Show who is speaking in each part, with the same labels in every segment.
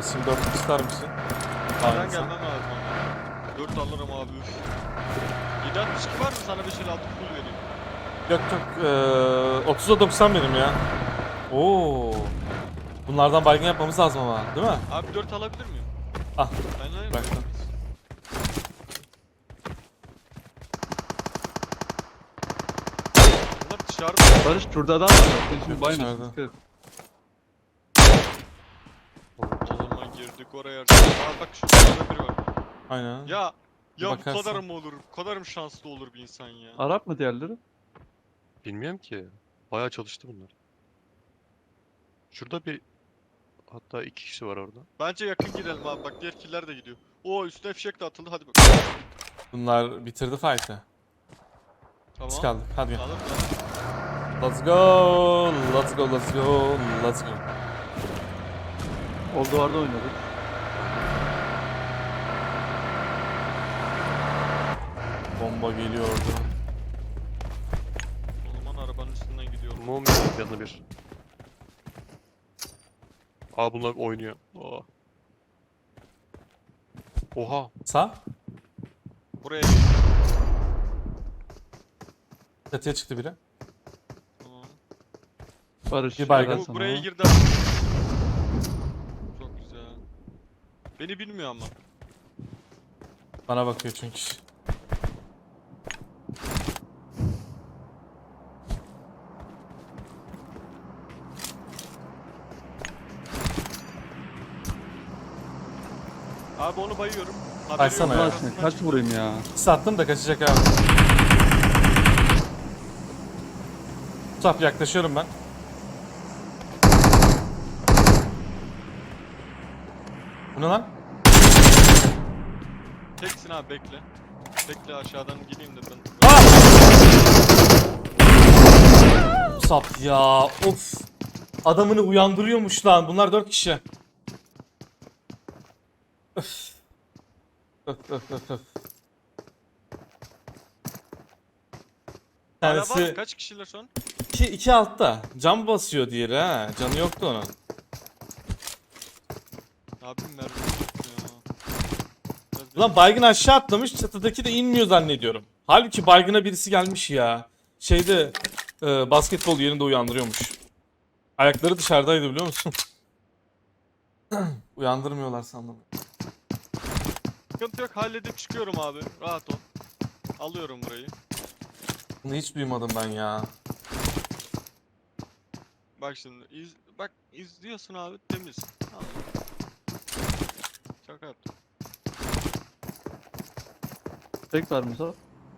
Speaker 1: Basayım 4 ister misin?
Speaker 2: Nereden
Speaker 1: Aynısı.
Speaker 2: gelmem lazım ama. 4 alırım abi üf. 762 var mı sana 5 56 full vereyim.
Speaker 1: Yok yok 30'a 90 benim ya. Oo. Bunlardan baygın yapmamız lazım ama değil mi?
Speaker 2: Abi 4 alabilir miyim?
Speaker 1: Ah
Speaker 2: Aynen.
Speaker 1: bıraktım.
Speaker 2: Bunlar dışarıda.
Speaker 3: Barış şurada adam var. Şimdi
Speaker 1: Yok,
Speaker 3: baymasın.
Speaker 1: dışarıda.
Speaker 3: Dikkat et.
Speaker 2: O zaman girdik oraya. Aa bak şurada biri var.
Speaker 1: Aynen.
Speaker 2: Ya bu
Speaker 1: Bakarsın.
Speaker 2: kadar mı olur? Bu kadar mı şanslı olur bir insan ya?
Speaker 3: Arap mı diğerleri?
Speaker 4: Bilmiyorum ki. Bayağı çalıştı bunlar. Şurada bir hatta 2 kişi var orada.
Speaker 2: Bence yakın girelim abi. Bak diğer killer de gidiyor. Oo üstüne fişek de atıldı. Hadi bakalım.
Speaker 1: Bunlar bitirdi fight'ı.
Speaker 2: Tamam.
Speaker 1: Biz kaldık. Hadi gel.
Speaker 2: Alır mı?
Speaker 1: Let's go. Let's go. Let's go. Let's go.
Speaker 3: O duvarda oynadık.
Speaker 1: Bomba geliyordu.
Speaker 2: O zaman arabanın üstünden gidiyorum.
Speaker 4: Mum yanına bir. Aa bunlar oynuyor. Aa. Oha.
Speaker 1: Sağ.
Speaker 2: Buraya.
Speaker 1: Çatıya çıktı biri.
Speaker 2: Tamam.
Speaker 3: Barış.
Speaker 1: Bir baygın.
Speaker 3: helal
Speaker 2: Bu
Speaker 3: sana.
Speaker 2: buraya girdi. Çok güzel. Beni bilmiyor ama.
Speaker 1: Bana bakıyor çünkü.
Speaker 2: Abi onu bayıyorum. Haberi
Speaker 1: Baksana
Speaker 2: yok,
Speaker 1: ya.
Speaker 2: arkasından
Speaker 3: Kaç
Speaker 2: çıktı.
Speaker 3: vurayım ya?
Speaker 1: Sattım da kaçacak abi. Musab yaklaşıyorum ben. Bu ne lan?
Speaker 2: Teksin abi bekle. Bekle aşağıdan gideyim de ben.
Speaker 1: Ah! Musab ya of. Adamını uyandırıyormuş lan. Bunlar 4 kişi. Öf. Öf öf öf öf. Bir
Speaker 2: Hala var mı?
Speaker 1: tanesi
Speaker 2: Kaç kişiler şu an?
Speaker 1: iki altta. Cam basıyor diğeri ha. Canı yoktu onun.
Speaker 2: Abim mermi yok ya. Biraz
Speaker 1: Ulan baygın aşağı atlamış, çatıdaki de inmiyor zannediyorum. Halbuki baygına birisi gelmiş ya. Şeyde basketbol yerinde uyandırıyormuş. Ayakları dışarıdaydı biliyor musun? Uyandırmıyorlar sandım.
Speaker 2: sıkıntı yok halledip çıkıyorum abi. Rahat ol. Alıyorum burayı.
Speaker 1: Bunu hiç duymadım ben ya.
Speaker 2: Bak şimdi bak izliyorsun abi temiz. Tamam. Şaka yaptım.
Speaker 3: Tek var Musa.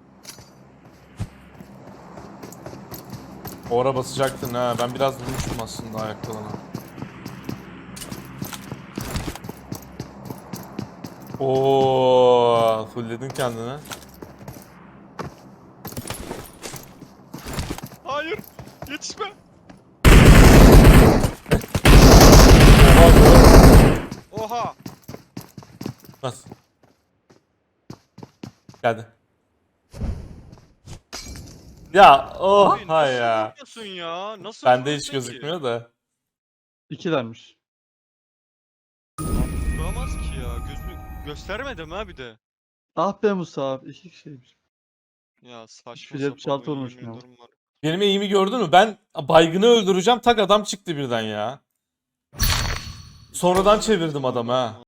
Speaker 1: O ara basacaktın ha. Ben biraz vurmuştum aslında ayaklarına. Oo, fullledin kendini.
Speaker 2: Hayır. Yetişme. Oha.
Speaker 1: Nasıl? Geldi. Ya
Speaker 2: Abi
Speaker 1: oha
Speaker 2: nasıl
Speaker 1: ya.
Speaker 2: vuruyorsun ya? Nasıl
Speaker 1: Bende hiç
Speaker 2: vuruyorsun ki?
Speaker 1: gözükmüyor da.
Speaker 3: İkilermiş.
Speaker 2: Vuramaz ki ya. Gözünü göstermedim ha bir de.
Speaker 3: Ah be Musa. İki kişiymiş.
Speaker 2: Ya saçma
Speaker 3: 376
Speaker 2: sapan
Speaker 3: olmuş
Speaker 2: yemin
Speaker 3: ya.
Speaker 2: ederim var.
Speaker 1: Benim eğimi gördün mü? Ben baygını öldüreceğim. Tak adam çıktı birden ya. Sonradan çevirdim adamı ha.